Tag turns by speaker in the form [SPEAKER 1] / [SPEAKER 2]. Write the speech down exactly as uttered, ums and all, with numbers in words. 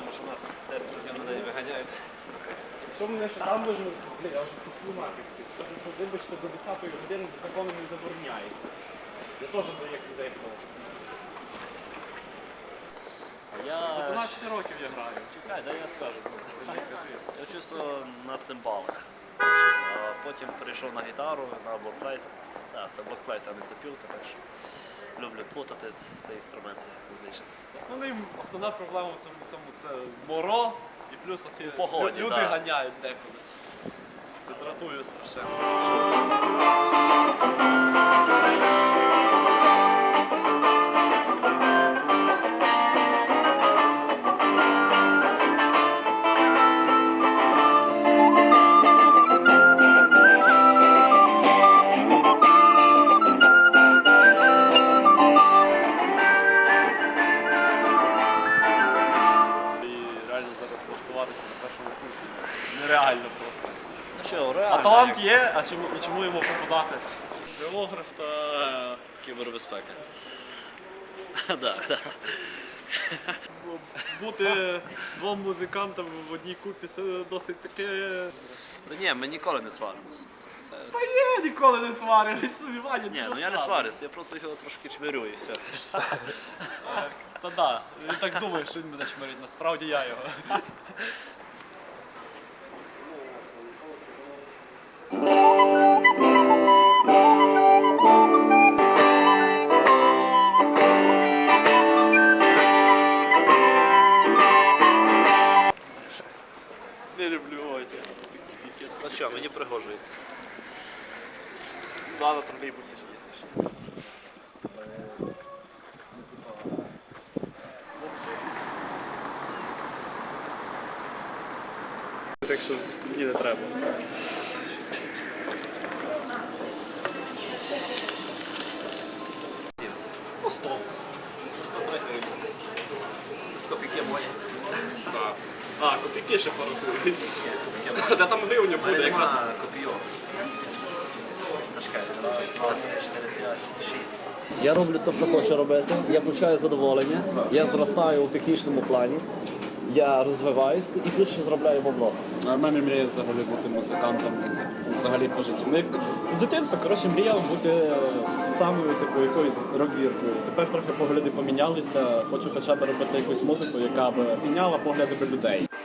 [SPEAKER 1] що нас десять разів на день виганяють.
[SPEAKER 2] Що мене ще там можна, блін, я вже пішлю нафіг всіх. Скажу, що вибачте, до десятої години законом не забороняється. Я теж до як людей прошу.
[SPEAKER 3] Я...
[SPEAKER 2] За дванадцять років я граю.
[SPEAKER 3] Чекай, дай я скажу. Я вчився на цимбалах. А потім перейшов на гітару, на блокфлейту. Так, це блокфлейт, а не сопілка, так що люблю плутати цей інструмент музичний.
[SPEAKER 2] Основний, основна проблема в цьому всьому це мороз і плюс оці
[SPEAKER 3] погоді,
[SPEAKER 2] люди
[SPEAKER 3] да.
[SPEAKER 2] ганяють декуди. Це дратує страшенно. На першому курсі. Нереально просто.
[SPEAKER 3] Ну що, реально.
[SPEAKER 2] А талант є, а чому, і чому йому попадати? Біограф та
[SPEAKER 3] Кібербезпека. Так, так.
[SPEAKER 2] Бути двом музикантам в одній купі це досить таке.
[SPEAKER 3] Та ні, ми ніколи не сваримося. Це...
[SPEAKER 2] Та є, ніколи не сварились, ну Ваня,
[SPEAKER 3] Ні, ну я не сварюсь, я просто його трошки чмирю і все.
[SPEAKER 2] Та да, він так думає, що він мене чмирить, насправді я його. Не люблю ой, ці кіпець.
[SPEAKER 3] Ну що, мені пригожується.
[SPEAKER 2] Да, на тролейбусі ж їздиш. Так що мені не треба. Ну, сто.
[SPEAKER 3] сто три гривні. З копійки моє.
[SPEAKER 2] Так. А, копійки ще порахують. Та там гривня буде якраз.
[SPEAKER 3] Копійок. Чекай, два, три, чотири, п'ять, шість. Я роблю те, що хочу робити, я получаю задоволення, я зростаю у технічному плані, я розвиваюся і плюс ще заробляю бабло.
[SPEAKER 4] А в мене мріє взагалі бути музикантом, взагалі по житті. Ну, як з дитинства, коротше, мріяв бути самою такою якоюсь рок-зіркою. Тепер трохи погляди помінялися, хочу хоча б робити якусь музику, яка б міняла погляди до людей.